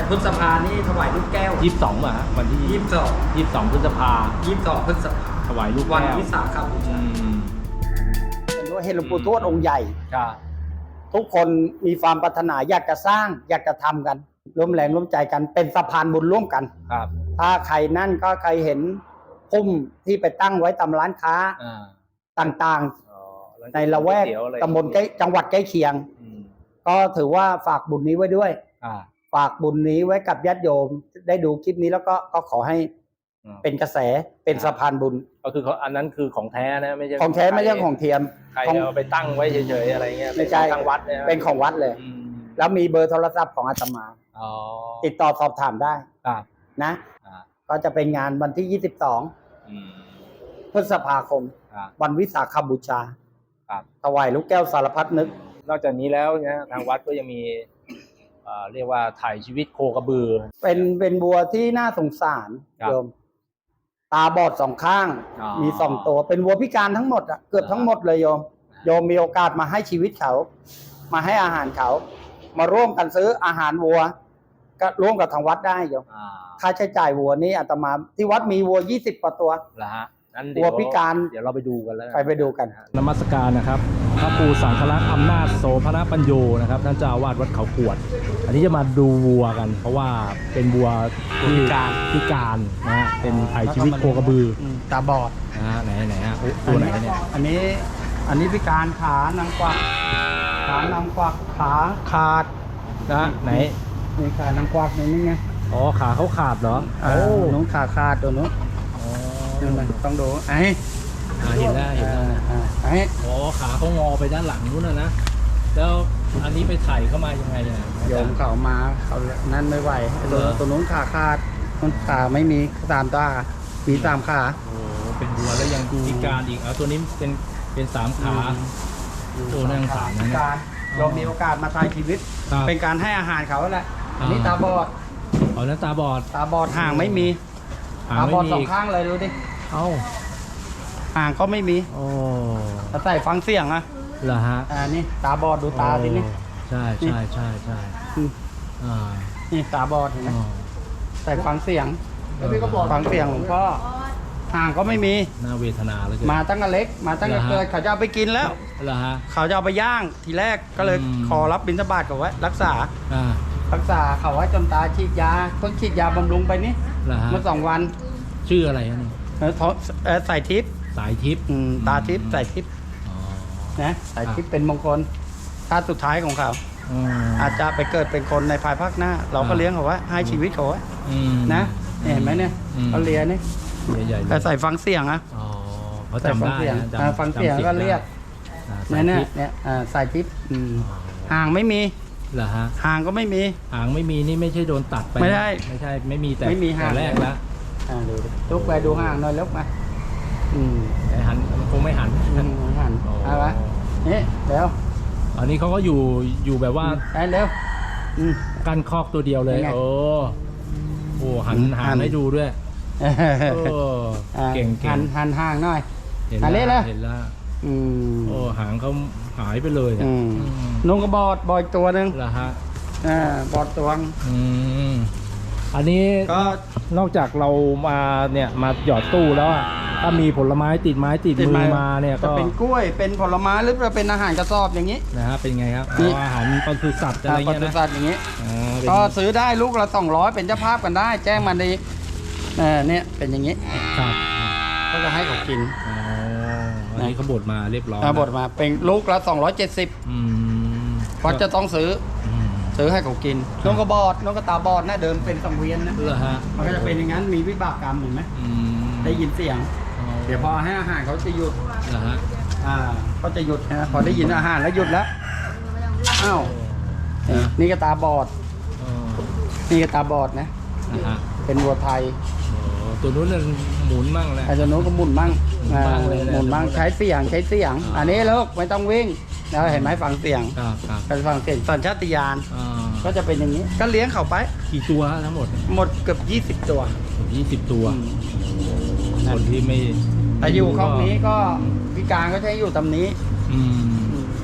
พฤษภานี่ถวายลูกแก้ว 22อ่ะวันที่22พฤษภา 22พฤษภาถวายลูกวันแก้ววิสาขบูชาเป็นว่าเห็นหลวงปู่ทวดองค์ใหญ่ครับทุกคนมีความปรารถนาอยากจะสร้างอยากจะทำกันร่วมแรงร่วมใจกันเป็นสะพานบุญร่วมกันครับถ้าใครนั่นก็ใครเห็นพุ่มที่ไปตั้งไว้ตามร้านค้าอ่าต่างอ๋อๆ ในละแวกก๋ยเตี๋ยวอะไรตำบลใกล้จังหวัดใกล้เคียงอืมก็ถือว่าฝากบุญนี้ไว้ด้วยอ่าฝากบุญนี้ไว้กับญาติโยมได้ดูคลิปนี้แล้วก็ขอให้อืมเป็นกระแสเป็นสะพานบุญก็คือเขาอันนั้นคือของแท้นะไม่ใช่ของแท้ไม่ใช่ของเทียมใครของเอาไปตั้งไว้เฉยๆอะไรเงี้ยไม่ใช่เป็นของทางวัดเนี่ยเป็นของวัดเลยอืมแล้วมีเบอร์โทรศัพท์ของอาตมาอ๋อติดต่อสอบถามได้ครับนะอ่าก็จะเป็นงานวันที่อืม 22 พฤษภาคมครับวันวิสาขบูชาครับถวายลูกแก้วสารพัดนึกนอกจากนี้แล้วเนี่ยทางวัดก็ยังมีเรียกว่าถ่ายชีวิตโคกระบือเป็นบัวที่น่าสงสารครับโยม ตาบอดสองข้างอ๋อมีสองตัว เป็นวัวพิการทั้งหมดอะเกือบทั้งหมดเลยโยม โยมมีโอกาสมาให้ชีวิตเขา มาให้อาหารเขา มาร่วมกันซื้ออาหารวัว ก็ร่วมกับทางวัดได้โยมอ่าค่าใช้จ่ายวัวนี่อาตมาที่วัดมีวัว20กว่าตัวเหรอฮะงั้นวัวพิการเดี๋ยวเราไปดูกันแล้วไปดูกันนมัสการนะครับพระครูสังฆลักษณ์อำนาจโสภณปัญโยนะครับท่านเจ้าอาวาสวัดเขาขวด อันนี้จะมาดูวัวกัน เพราะว่าเป็นวัวที่พิการนะฮะเป็นถ่ายชีวิตโคกระบือตาบอดนะฮะไหนฮะโอ้ตัวไหนเนี่ยอันนี้พิการขานางกวักขาขาดนะไหนนี่ขานางกวักนี่ไงอ๋อขาเขาขาดเหรอโอ้น้องขาขาดตัวนู้นอ๋อนั่นน่ะต้องดูไอ้เห็นแล้วนะไอ้อ๋อขาเขางอไปด้านหลังนู้นนะแล้วอันนี้ไปถ่ายเข้ามายังไงเนี่ยโยมเขามาเขานั่นไม่ไหวไอ้ตัวนู้นขาขาดมันขาไม่มีตามตามีตามขาโอ้เป็นวัวแล้วยังพิการอีกเอาตัวนี้เป็นสามขาโอ้น่าสงสารนะพิเนี่ยการเรามีโอกาสมาถ่ายชีวิตครับเป็นการให้อาหารเขาแหละอันนี้อ่าตาบอดอ๋อนั้นตาบอดตาบอดห่างไม่มีหางตาไม่บอดมีสองอีกข้างเลยดูดิเอ้าห่างก็ไม่มีโอ้แต่ใส่ฟังเสียงอะเหรอฮะนี่ตาบอดดูตาสินี่ใช่ใช่ใช่ใช่อืมอ่านี่ตาบอดเห็นไหมอ๋อใส่ฟังเสียงแล้วพี่ก็บอกฟังเสียงหลวงพ่อห่างก็ไม่มีน่าเวทนาเลยมาตั้งแต่เล็ก มาตั้งแต่เหรอฮะเกิดเขาจะเอาไปกินแล้วเหรอฮะเขาจะเอาไปย่างทีแรกก็เลยอืมขอรับบิณฑบาตเขาไว้รักษาอ่ารักษาเขาไว้จนตาฉีดยาเพิ่งฉีดยาบำรุงไปนี่เหรอฮะเมื่อ2 วันชื่ออะไรฮะนี่ใส่ทิพย์สายทิพย์ตาทิพย์ใส่ทิพย์อ๋อนะใส่ทิพย์เป็นมงคลชาติสุดท้ายของเขาอืมอาจจะไปเกิดเป็นคนในภายภาคหน้า เราก็อ่าเลี้ยงเขาไว้ให้ชีวิตเขาไว้อืมนะเห็นไหมเนี่ยอืมเขาเลียนี่ใหญ่ๆเลแต่ยใส่ฟังเสียงอะอ๋อเขาใส่จำฟังได้เสียงนะจำฟังเสียงจำก็เรียกอ่าสายเนี่ยทิพย์เนี่ยใส่ทิพย์ห่างไม่มีเหรอฮะห่างก็ไม่มีหางไม่มีนี่ไม่ใช่โดนตัดไปไม่ได้ไม่ใช่ไม่มีแต่ไม่มีหางแต่แรกแล้วดูดิลุกไปดูห่างหน่อยลุกมาอืมแต่หันมันคงไม่หันหันโอ้เอาวะนี่เร็วอันนี้เขาก็อยู่แบบว่าไปเร็วอืมกั้นคอกตัวเดียวเลยยังไงโอ้หันหัหาน งให้ดูด้วยโอ้อ่าเก่งหันห่างหน่อยเห็นอันนี้แล้วเลยเห็นแล้วอืมโอ้หางเขาหายไปเลยอะอืมอืมนุ่งกระบอดบอยตัวหนึ่งเหรอฮะบอดตัวงอืมอันนี้ก็นอกจากเรามาเนี่ยมาหยอดตู้แล้วอะถ้ามีผลไม้ติดไม้ติดมือมาเนี่ยจะก็เป็นกล้วยเป็นผลไม้หรือจะเป็นอาหารกระสอบอย่างนี้นะฮะเป็นไงครับนี่เอาอาหารปศุสัตว์อะไรปเงี้ยศุนะสัตว์อย่างนี้อ่าเป็นก็ซื้อได้ลูกละ200เป็นเจ้าภาพกันได้ แจ้งมาดีเนี่ยเป็นอย่างนี้ครับก็จะให้เขากินอ๋ออันนี้เขาบดมาเรียบร้อยบดมาเป็นลูกละ270 อืมเพราะจะต้องซื้ออืมซื้อให้เขากินนกกระบอดนกกระตาบอดนะเดิมเป็นสังเวียนนะเหรอฮะมันก็จะเป็นอย่างนั้นมีวิบากกรรมเห็นไหมอืมได้ยินเสียง เดี๋ยวพอให้อาหารเขาจะหยุดเหรอฮะเขาจะหยุดนะพอได้ยินอาหารแล้วหยุดแล้วอ้าวนี่ก็ตาบอดอ๋อนี่ก็ตาบอดนะนะฮะเป็นวัวไทยโอ้ตัวนู้นน่ะหมุนมั่งแหละอาจจะโน้นก็หมุนมั่งหมุนบ้างเลยแหละหมุนมั่งใช้เสียง อันนี้ลูกไม่ต้องวิ่งแล้วเห็นไหมฟังเสียงครับครับการฟังเสียงสัญชาตญาณอ่าก็จะเป็นอย่างนี้ ก็เลี้ยงเขาไปกี่ตัวทั้งหมดหมดเกือบ20 ตัว 20 ตัวอืมคนที่ไม่แต่อยู่ครอบนี้ก็พิการก็จะให้อยู่ตำนี้อืม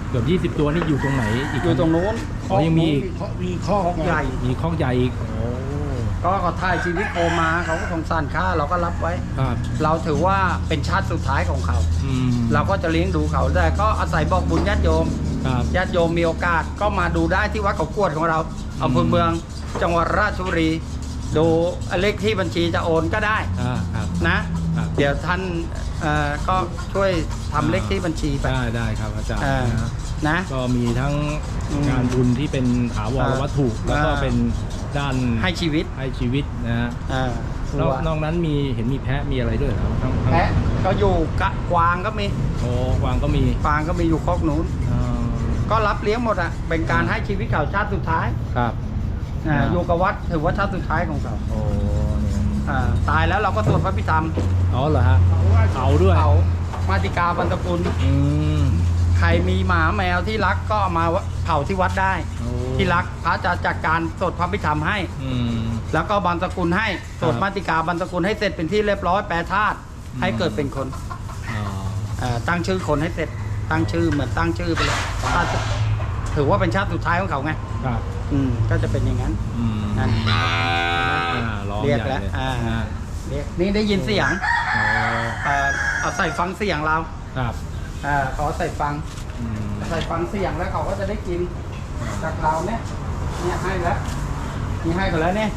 เกือบ20 ตัวนี่อยู่ตรงไหนอีกอยู่ตรงนู้นอ๋อยังมีอีกมีข้อคอกใหญ่มีคอกใหญ่อีกโอ้ก็เขาถ่ายชีวิตโคมาเขาก็สงสารค่าเราก็รับไว้ครับเราถือว่าเป็นชาติสุดท้ายของเขาอืมเราก็จะเลี้ยงดูเขาแต่ก็อาศัยบอกบุญญาติโยมครับญาติโยมมีโอกาสก็มาดูได้ที่วัดเขากวดของเราอำเภอเมืองจังหวัดราชบุรี ดูเลขที่บัญชีจะโอนก็ได้ครับนะครับเดี๋ยวท่านก็ช่วยทำเลขที่บัญชีไปได้ครับอาจารย์เออนะนะก็มีทั้งอืมงานบุญที่เป็นถาวรวัตถุ แล้วก็เป็นด้านให้ชีวิตให้ชีวิตนะฮะอ่านอกนั้นเห็นมีแพะมีอะไรด้วยเหรอครับทั้งแพะก็อยู่กะกวางก็มีโอ้กวางก็มีกวางก็มีอยู่คอกนู้นอ่าก็รับเลี้ยงหมดอ่ะเป็นการให้ชีวิตเขาชาติสุดท้ายครับอยู่กับวัดถือว่าชาติสุดท้ายของเขาโอ้เนี่ยตายแล้วเราก็สวดพระพิธรรมอ๋อเหรอฮะเอาด้วยเผามาติกาบรรพกุลอืมใครมีหมาแมวที่รักก็เอามาเผาที่วัดได้โอ้ที่รักพระจะจัดการสวดพระพิธรรมให้อืมแล้วก็บรรพกุลให้สวดมาติกาบรรพกุลให้เสร็จเป็นที่เรียบร้อยแปรธาตุให้เกิดเป็นคนอ๋อตั้งชื่อคนให้เสร็จตั้งชื่อเหมือนตั้งชื่อไปเลยถ้าถือว่าเป็นชาติสุดท้ายของเขาไงครับก็จะเป็นอย่างนั้นอืมนั่นร้องเรียกใหญ่แล้วเลยเรียกนี่ได้ยินเสียงอ๋อเอาใส่ฟังเสียงเราครับเขาใส่ฟังอืมใส่ฟังเสียงแล้วเขาก็จะได้กินจากเราเนี่ยให้แล้วนี่ให้เขาแล้วเนี่ย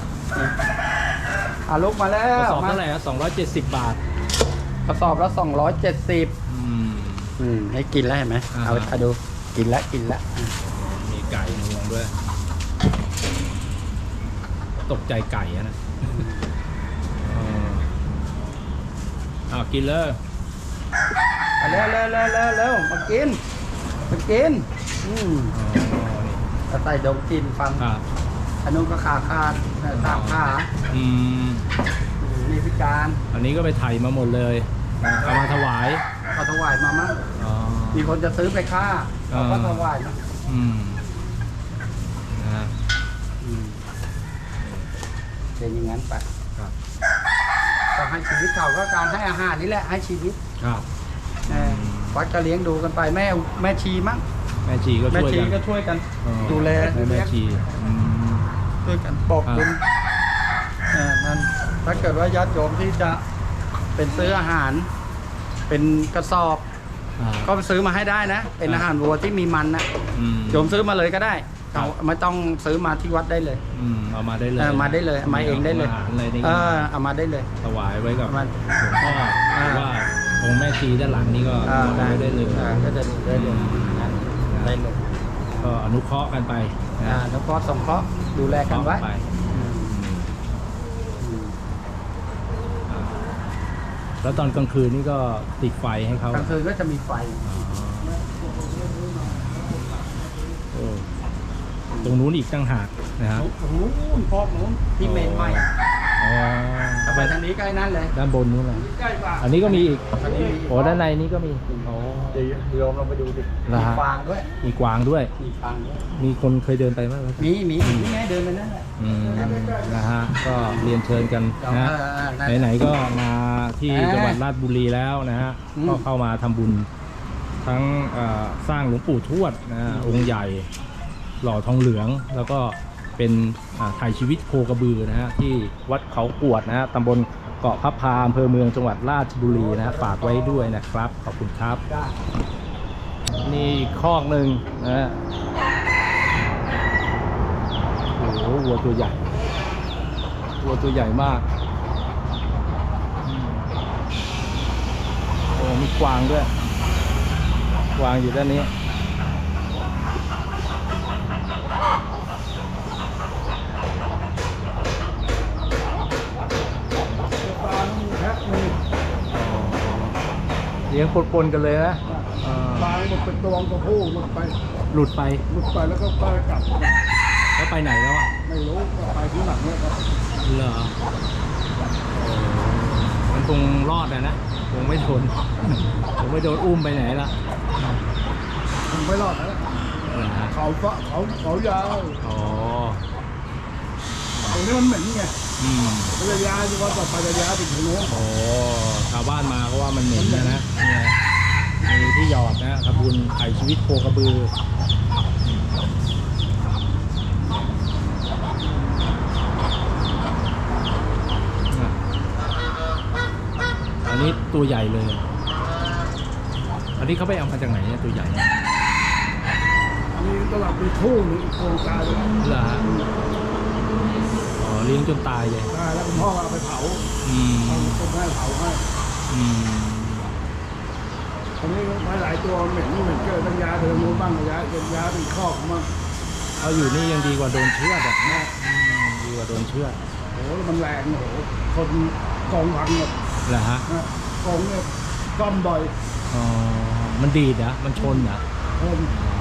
อ่าลุกมาแล้กระวสอบเท่าไหร่ครับ270 บาทกระสอบละ270 อืมให้กินแล้วเห็นไหมอ่าเอาดูกินแล้วมีไก่งวงด้วย ตกใจไก่อะนะกินเลยเร็วมากินก็ใส่ดมกินฟังครับอันนู้นก็ขาดสามขาอืมนี่พิการอันนี้ก็ไปไถ่มาหมดเลยเอามาถวายเขาถวายมามั้งอ๋อมีคนจะซื้อไปฆ่าเขาก็อ่าถวายมาอืมนะฮะเป็นอย่างนั้นไปครับก็ให้ชีวิตเขาก็การให้อาหารนี่แหละให้ชีวิตครับวัดก็เลี้ยงดูกันไปแม่ชีมั้งแม่ชีก็แม่ช่วยชีกันก็ช่วยกันอ๋อดูแลแม่ชีอืมช่วยกันบอกบุญครับนั่นถ้าเกิดว่าญาติโยมที่จะเป็นซื้ออาหาร เป็นกระสอบ ก็ไปซื้อมาให้ได้นะ เป็นอาหารวัวที่มีมันนะอืมโยมซื้อมาเลยก็ได้ครับไม่ต้องซื้อมาที่วัดได้เลยเอามาได้เลยมาได้เลยเอามาเองได้เลยอาหารอะไรนี่เอามาได้เลยถวายไว้กับเอามาหลวงพ่อหรือว่าองค์แม่ชีด้านหลังนี่ก็ถวายไว้ได้เลยก็จะได้เลยนั่นได้เลยก็อนุเคราะห์กันไปนะแล้วก็สงเคราะห์ดูแลกันไว้ไปอ่าแล้วตอนกลางคืนนี่ก็ติดไฟให้เขากลางคืนก็จะมีไฟเออตรงนู้นอีกตั้งหากนะครับนู้นพอกนู้นที่เมนใหม่อ๋อแต่ไปทางนี้ใกล้นั่นเลยด้านบนนู้นเลยใกล้กว่าอันนี้ก็มีอีกอันนี้มีโอ้ด้านในนี้ก็มีโอ้เดี๋ยวโยมเราไปดูดิเหรอมีฮะฟางด้วยมีกวางด้วยมีฟางด้วยมีคนเคยเดินไปไหมครับมีนี่ไงเดินไปนั่นแหละนะฮะก็เรียนเชิญกันนะฮะนั่นไหนๆก็มาที่จังหวัดราชบุรีแล้วนะฮะอืมก็เข้ามาทำบุญทั้งสร้างหลวงปู่ทวดนะฮะองค์ใหญ่หล่อทองเหลือง แล้วก็เป็นถ่ายชีวิตโคกระบือนะฮะที่วัดเขากวดนะฮะตำบลเกาะพระพาอำเภอเมืองจังหวัดราชบุรีนะฮะฝากไว้ด้วยนะครับขอบคุณครับได้นี่อีกคอกหนึ่งนะฮะโอ้โหวัวตัวใหญ่วัวตัวใหญ่มากโอ้มีกวางด้วยกวางอยู่ด้านนี้เลี้ยงปนๆกันเลยนะปลาหมดเป็นตัวตัวผู้หมดไปหลุดไปแล้วก็กลับแล้วไปไหนแล้วอ่ะไม่รู้ไปที่หลังเนี่ยครับเหรอมันคงรอดนะคงไม่โดน คงไม่โดนอุ้มไปไหนละผมไม่รอดนะเหรอฮะเขายาวอ๋อตรงนี้มันเหม็นไงอืมระยะที่ว่าต่อไประยะถึงโน้นโอ้ชาวบ้านมาก็ว่ามันเหม็นนะเนี่ยมีที่หยอดนะทำบุญไถ่ชีวิตโคกระบืออันนี้ตัวใหญ่เลย อันนี้เขาไปเอามาจากไหนเนี่ยตัวใหญ่เนี่ยอันนี้ตลาดมีทุ่งนี่โครงการเลยเหรอฮะอ๋อเลี้ยงจนตายเลยได้แล้วคุณพ่อเอาไปเผาอืมเอาคนให้เผาให้อืมตอนนี้ไม้หลายตัวเหม็นเกิดตั้งยาเดินนู้นบ้างยาเป็นยาเป็นคอกบ้างเอาอยู่นี่ยังดีกว่าโดนเชือดอ่ะนะดีกว่าโดนเชือดโอ้โหมันแรงโอ้โหคนกองพังแบบเหรอฮะนะกองเนี่ยก้อมบ่อยอ๋อมันดีดนะมันชนนะคน